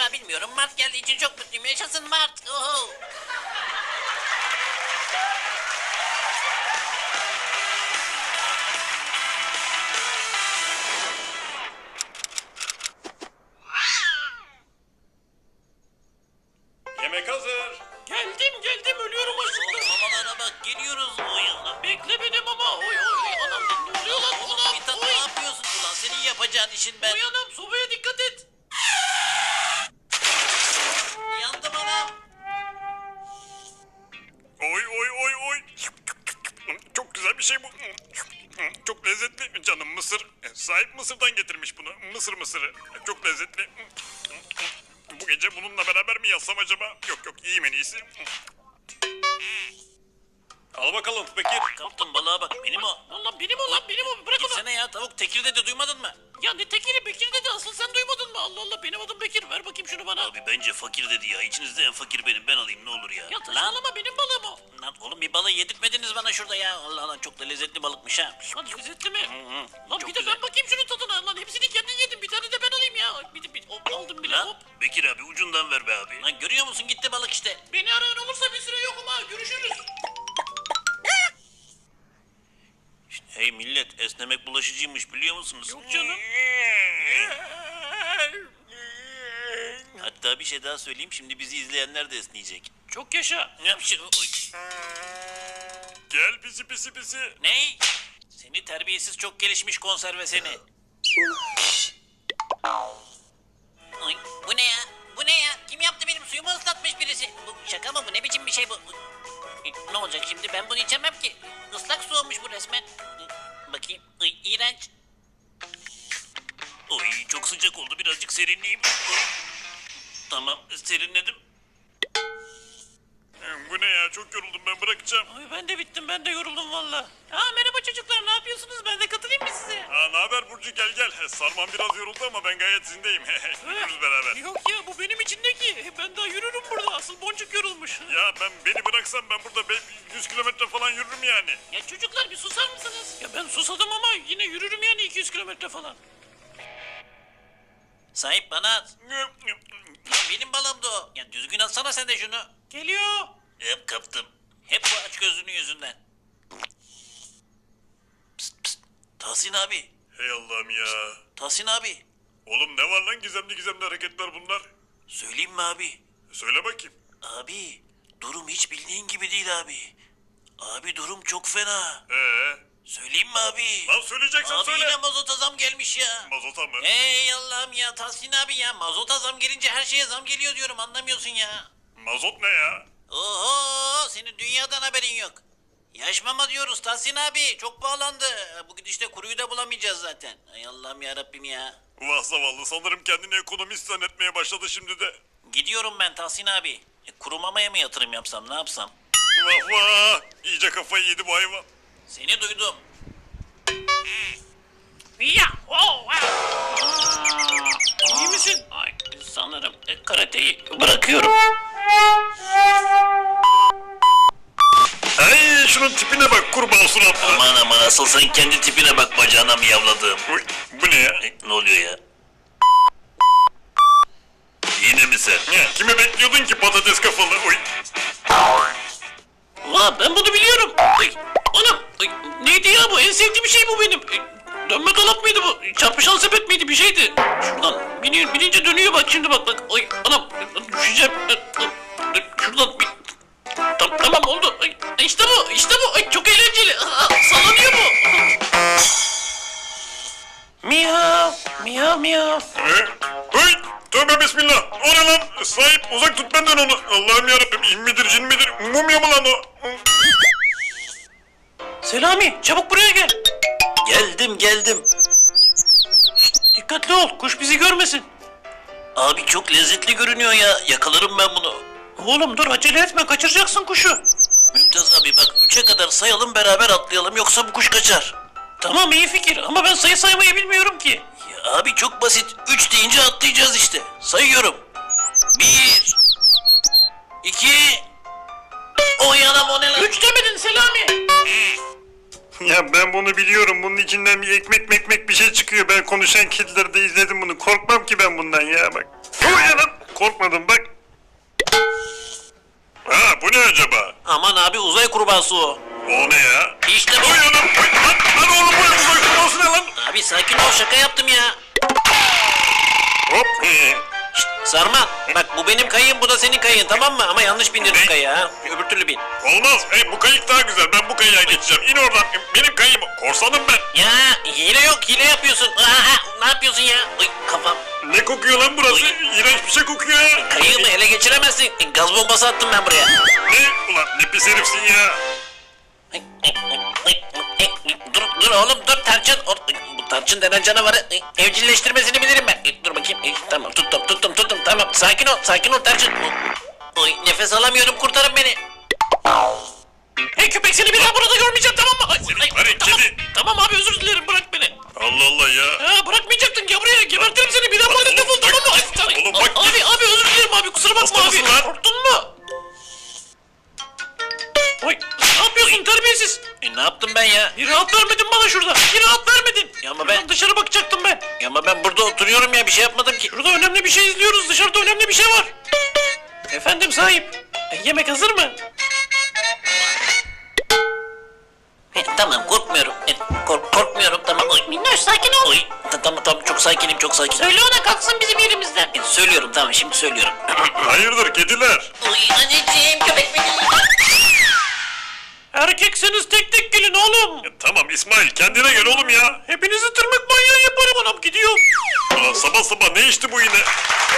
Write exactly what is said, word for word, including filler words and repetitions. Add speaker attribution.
Speaker 1: Vallahi bilmiyorum. Mart geldiği için çok mutluyum. Yaşasın Mart. Oho.
Speaker 2: Yemek hazır.
Speaker 3: Geldim geldim ölüyorum açlıktan.
Speaker 1: Mamalara bak geliyoruz. Oy anam.
Speaker 3: Bekle beni mama. Oy oy anam ne oluyor lan
Speaker 1: Oğlum
Speaker 3: ulan?
Speaker 1: Mithat
Speaker 3: Oy.
Speaker 1: ne yapıyorsun ulan? Senin yapacağın işin ben.
Speaker 3: Oy anam sobaya dikkat et.
Speaker 1: Yandım anam.
Speaker 2: Oy oy oy oy. Çok güzel bir şey bu. Çok lezzetli. Canım mısır. Sahip Mısır'dan getirmiş bunu. Mısır mısırı. Çok lezzetli. Bu gece bununla beraber mi yatsam acaba? Yok yok iyiyim en iyisi. Al bakalım Bekir.
Speaker 1: Kaptım balığa bak. Benim o.
Speaker 3: Lan benim o lan benim o bırak onu.
Speaker 1: Gitsene ya tavuk. Tekir dedi duymadın mı?
Speaker 3: Ya ne tekiri Bekir dedi asıl sen duymadın mı? Allah Allah benim adım Bekir ver bakayım şunu bana.
Speaker 1: Abi bence fakir dedi ya. İçinizde en fakir benim. Ben alayım ne olur ya.
Speaker 3: Ya saçmalama benim balığım o.
Speaker 1: Lan oğlum bir balığı yedirtmediniz bana şurada ya. Allah Allah çok da lezzetli balıkmış ha.
Speaker 3: Lan lezzetli mi?
Speaker 1: hı,
Speaker 3: Lan
Speaker 1: çok
Speaker 3: bir de
Speaker 1: güzel.
Speaker 3: ben bakayım şunun tadına. Lan hepsini kendin yedin bir tane de ben alayım ya. Bir de bir, hop, aldım bile
Speaker 1: Lan
Speaker 3: hop.
Speaker 1: Bekir abi ucundan ver be abi. Lan görüyor musun gitti balık işte.
Speaker 3: Beni arayan olursa bir süre yokum ha görüşürüz.
Speaker 1: Hey millet esnemek bulaşıcıymış biliyor musunuz?
Speaker 3: Yok canım.
Speaker 1: Hatta bir şey daha söyleyeyim şimdi bizi izleyenler de esneyecek.
Speaker 3: Çok yaşa.
Speaker 1: Ne yapıyorsun? Oy.
Speaker 2: Gel pisi pisi pisi.
Speaker 1: Ney? Seni terbiyesiz çok gelişmiş konserve seni. Oy, bu ne ya? Bu ne ya? Kim yaptı benim suyumu ıslatmış birisi? Bu şaka mı bu? Ne biçim bir şey bu? Oy, ne olacak şimdi? Ben bunu içemem ki. Islak su olmuş bu resmen. Bakayım. Oy, iğrenç. Oy çok sıcak oldu. Birazcık serinleyeyim. Oy. Tamam serinledim.
Speaker 2: Bu ne ya çok yoruldum ben bırakacağım.
Speaker 3: Ay ben de bittim ben de yoruldum valla. Aa merhaba çocuklar ne yapıyorsunuz ben de katılayım mı size?
Speaker 2: Ha ne haber Burcu gel gel. Sarman biraz yoruldu ama ben gayet zindeyim. Yürürüz beraber.
Speaker 3: Yok ya bu benim için ne ki? Ben daha yürürüm burada asıl boncuk yorulmuş.
Speaker 2: Ya ben beni bıraksam ben burada be- yüz kilometre falan yürürüm yani.
Speaker 3: Ya çocuklar bir susar mısınız? Ya ben susadım ama yine yürürüm yani iki yüz kilometre falan.
Speaker 1: Sahip bana at. Lan benim balığımdı o. Ya düzgün atsana sen de şunu.
Speaker 3: Geliyor.
Speaker 1: Hep kaptım. Hep bu aç gözlünün yüzünden. Pst pst. Tahsin abi.
Speaker 2: Hey Allah'ım ya.
Speaker 1: Tahsin abi.
Speaker 2: Oğlum ne var lan gizemli gizemli hareketler bunlar?
Speaker 1: Söyleyeyim mi abi?
Speaker 2: Söyle bakayım.
Speaker 1: Abi durum hiç bildiğin gibi değil abi. Abi durum çok fena.
Speaker 2: Ee,
Speaker 1: Söyleyeyim mi abi?
Speaker 2: lan söyleyeceksen
Speaker 1: Abi
Speaker 2: söyle.
Speaker 1: yine mazota zam gelmiş ya.
Speaker 2: Mazota mı?
Speaker 1: Hey Allah'ım ya Tahsin abi ya mazota zam gelince her şeye zam geliyor diyorum anlamıyorsun ya.
Speaker 2: Mazot ne ya?
Speaker 1: Oho senin dünyadan haberin yok. Yaşmama diyoruz Tahsin abi çok pahalandı. Bu gidişte kuruyu da bulamayacağız zaten. Ay Allah'ım ya Rabbim ya.
Speaker 2: Vah zavallı sanırım kendini ekonomist zannetmeye başladı şimdi de.
Speaker 1: Gidiyorum ben Tahsin abi. E, kuru mamaya mı yatırım yapsam ne yapsam?
Speaker 2: Vah vah. İyice kafayı yedi bu hayvan.
Speaker 1: Seni duydum.
Speaker 3: Ya. Oh, wow. İyi misin? Ay sanırım e, karateyi bırakıyorum.
Speaker 2: Ay şunun tipine bak kurbağa suratlı.
Speaker 1: Aman aman asıl sen kendi tipine bak bacağına miyavladığım.
Speaker 2: Uy, bu ne ya?
Speaker 1: E, ne oluyor ya? Yine mi sen?
Speaker 2: Ya, kimi bekliyordun ki patates kafalı? Uy.
Speaker 3: Vaa ben bunu biliyorum. Ay, anam. Ay, neydi ya bu? En sevdiğim şey bu benim. Ay, dönme dolap mıydı bu? Çarpışan sepet miydi? Bir şeydi. Şuradan biniyor, binince dönüyor bak şimdi bak bak. Ay anam düşeceğim. Şuradan bir... Tam, tamam oldu. Ay, işte bu işte bu. Ay, çok eğlenceli. Aa, sallanıyor bu. Miyav miyav miyav.
Speaker 2: Ee, Uy. Tövbe bismillah. O ne lan? Sahip uzak tut benden onu. Allah'ım yarabbim. İn midir cin midir? Mumya mı lan o?
Speaker 3: Selami çabuk buraya gel.
Speaker 1: Geldim geldim.
Speaker 3: Dikkatli ol kuş bizi görmesin.
Speaker 1: Abi çok lezzetli görünüyor ya. Yakalarım ben bunu.
Speaker 3: Oğlum dur acele etme kaçıracaksın kuşu.
Speaker 1: Mümtaz abi bak üçe kadar sayalım beraber atlayalım yoksa bu kuş kaçar.
Speaker 3: Tamam iyi fikir ama ben sayı saymayı bilmiyorum ki.
Speaker 1: Ya abi çok basit. Üç deyince atlayacağız işte. Sayıyorum. Bir. İki. Oy anam o ne lan?
Speaker 3: Üç demedin Selami.
Speaker 2: Ya ben bunu biliyorum. Bunun içinden bir ekmek mekmek bir şey çıkıyor. Ben konuşan kedileri de izledim bunu. Korkmam ki ben bundan ya bak. Uy lan. korkmadım bak. Ha bu ne acaba?
Speaker 3: Aman abi uzay kurbağası o.
Speaker 2: O ne ya?
Speaker 1: İşte bu.
Speaker 2: Oy anam. Oy, lan, lan oğlum bu uzay kurbağası ne lan?
Speaker 1: Abi sakin ol, şaka yaptım ya.
Speaker 2: Hop.
Speaker 1: Şşt, Sarman bak bu benim kayığım, bu da senin kayığın, tamam mı? Ama yanlış bindirdin kayığı ha. Öbür türlü bin.
Speaker 2: Olmaz. Hey, bu kayık daha güzel. Ben bu kayığa geçeceğim. İn oradan. Benim kayığım. Korsanım ben.
Speaker 1: Ya hile yok, hile yapıyorsun. Aa, ne yapıyorsun ya? Oy, kafam.
Speaker 2: Ne kokuyor lan burası? İğrenç bir şey kokuyor ya.
Speaker 1: Kayığımı ele geçiremezsin. Gaz bombası attım ben buraya.
Speaker 2: Ne? Ulan ne pis herifsin ya.
Speaker 1: Dur, dur oğlum dur, tarçın. Bu tarçın denen canavarı evcilleştirmesini bilirim ben. Dur bakayım. Tamam, tuttum tuttum tuttum, tamam. Sakin ol, sakin ol tarçın. Oy, nefes alamıyorum, kurtarın beni.
Speaker 3: Hey köpek, seni bir daha burada görmeyeceğim, tamam mı? Ay, ay,
Speaker 2: Hadi,
Speaker 3: tamam,
Speaker 2: kedi.
Speaker 3: tamam abi, özür dilerim, bırak beni.
Speaker 2: Allah Allah ya.
Speaker 3: Ha, bırakmayacaktın, gel buraya, gebertirim seni, bir daha burada
Speaker 2: Oğlum,
Speaker 3: defol,
Speaker 2: bak-
Speaker 3: tamam mı? Ay, tamam.
Speaker 2: oğlum, bak-
Speaker 3: Abi abi özür dilerim abi, kusura bakma
Speaker 2: Hasta
Speaker 3: abi.
Speaker 2: mısın lan?
Speaker 3: Korktun mu? Oy, ne yapıyorsun terbiyesiz?
Speaker 1: E, ne yaptım ben ya?
Speaker 3: Bir rahat vermedin bana şurada, bir rahat vermedin.
Speaker 1: Ya ama
Speaker 3: Şuradan
Speaker 1: ben-
Speaker 3: dışarı bakacaktım ben.
Speaker 1: Ya ama ben burada oturuyorum ya, bir şey yapmadım ki.
Speaker 3: Şurada önemli bir şey izliyoruz, dışarıda önemli bir şey var. Efendim sahip, e, yemek hazır mı?
Speaker 1: E, tamam, korkmuyorum. E, kork- korkmuyorum, tamam. Oy.
Speaker 4: Minnoş sakin ol.
Speaker 1: Oy, ta- tamam tamam, çok sakinim, çok sakinim.
Speaker 4: Söyle ona kalksın bizim yerimizden.
Speaker 1: E, söylüyorum, tamam, şimdi söylüyorum.
Speaker 2: Hayırdır kediler?
Speaker 1: Oy anneciğim, köpek beni.
Speaker 3: Erkekseniz tek tek gelin oğlum.
Speaker 2: Ya, tamam İsmail kendine gel oğlum ya.
Speaker 3: Hepinizi tırmık manyağı yaparım, anam gidiyorum.
Speaker 2: Ulan sabah sabah ne içti bu yine?